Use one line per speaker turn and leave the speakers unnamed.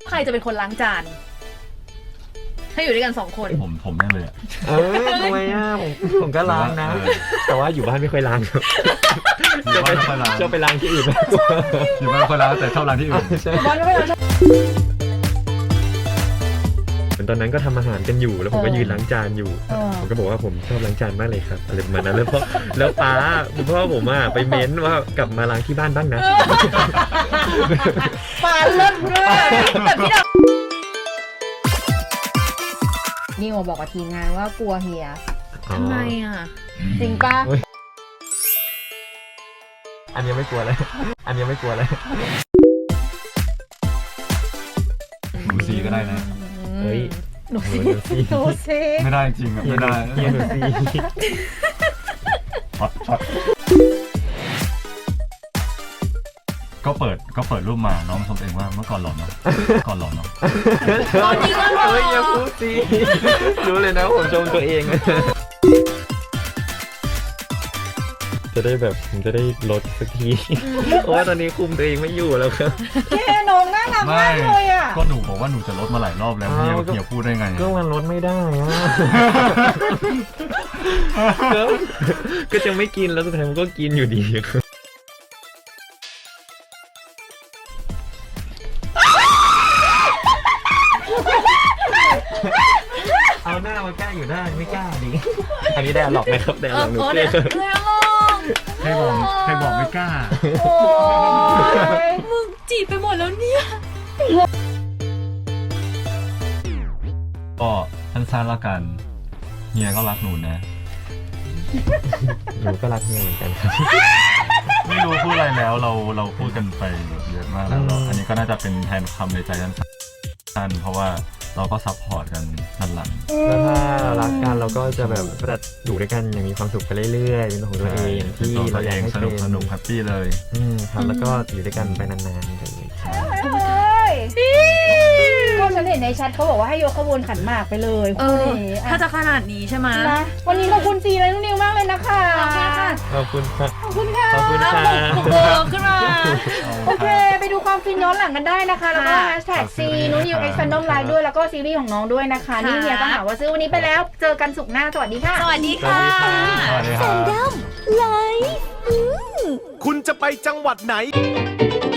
ใครจะเป็นคนล้างจานให้อยู่ด้วยกัน2 คน
ผมแน่เลย
ทำไมผมก็ล้างนะแต่ว่าอยู่บ้านไม่ค่อยล้างครับจะไปล้างที่อื่น
อยู่บ้านไม่ค่อยล้างแต่ชอบล้างที่อื่น
บ้านไม่ค่อยล้าง
ตอนนั้นก็ทำอาหารกันอยู่แล้วผมก็ยืนล้างจานอยู่ผมก็บอกว่าผมชอบล้างจานมากเลยครับอะไรประมาณนั้นแล้วป้าคุณพ่อผมไปเม้นว่ากลับมาล้างที่บ้านบ้างนะ
ป้าเลิศเลยแต่พี่ดาว
นิวบอกกับทีมงานว่ากลัวเฮีย
ทำไม
จริงปะ
อันนี้ไม่กลัวเลย
หนูซีก็ได้นะ
เฮ้ย
หนูซี
ไม่ได้จริงไม่ได้
หนูซี
ช็อตก็เปิดรูปมาน้องชมเองว่าเมื่อก่อนหล่อเนาะ
ตอนนี้ก็หล่อ
อย่าพูดสิรู้เลยนะผมชมตัวเองจะได้แบบผมจะได้ลดสักทีเพราะว่าตอนนี้คุมตัวเองไม่อยู่แล้วครับ
แค่น้องน่ารักมากเลย
ก็หนูบอกว่าหนูจะลดมาหลายรอบแล้วเฮียพูดได้ไง
ก็มันลดไม่ได้ก็จะไม่กินแล้วสุดท้ายมันก็กินอยู่ดีครับเอาหน้ามาใกล้อยู่ได้ไม่กล้าดิอันนี้ได้หลอกไหมครับได้หลอกหนูเ
ลย
ใครบอกไม่กล้า
มึงจีบไปหมดแล้วเนี่ย
ก็สั้นๆละกันเฮียก็รักหนูนะ
หนูก็รักเฮียเหมือนกันครับ
ไม่รู้พูดอะไรแล้วเราพูดกันไปเยอะมากแล้วอันนี้ก็น่าจะเป็นแทนคำในใจสั้นๆเพราะว่าเราก็ซัพพอร์ตกันด้านหลัง
แล้วถ้ารักกันเราก็จะแบบอยู่ด้วยกันอย่างมีความสุขไปเรื่อยๆเป็นของตัวเองที่เราอยากให้
สนุกแฮปปี้เลย
ครับแล้วก็อยู่ด้วยกันไปนานๆเลย
ก็ฉันเห็นในแชทเขาบอกว่าให้ยกขบวนขันหมากไปเลย
ถ้าจะขนาดนี้ใช่ไหม
นะวันนี้ขอบคุณซีและนุ่นนิวมากเลยนะคะ
ขอบคุณค่ะ
ขอบคุณค่ะ
บุกขึ้นมา
โอเคไปดูความฟินย้อนหลังกันได้นะคะแล้วก็แฮชแท็กซีนุ่นนิวX Fandom Liveด้วยแล้วก็ซีรีส์ของน้องด้วยนะคะนี่เฮียก็หาว่าซื้อวันนี้ไปแล้วเจอกันศุกร์หน้าสวัสดีค่ะ
สวัสดีค่ะ
Fandom
Live คุณจะไปจังหวัดไหน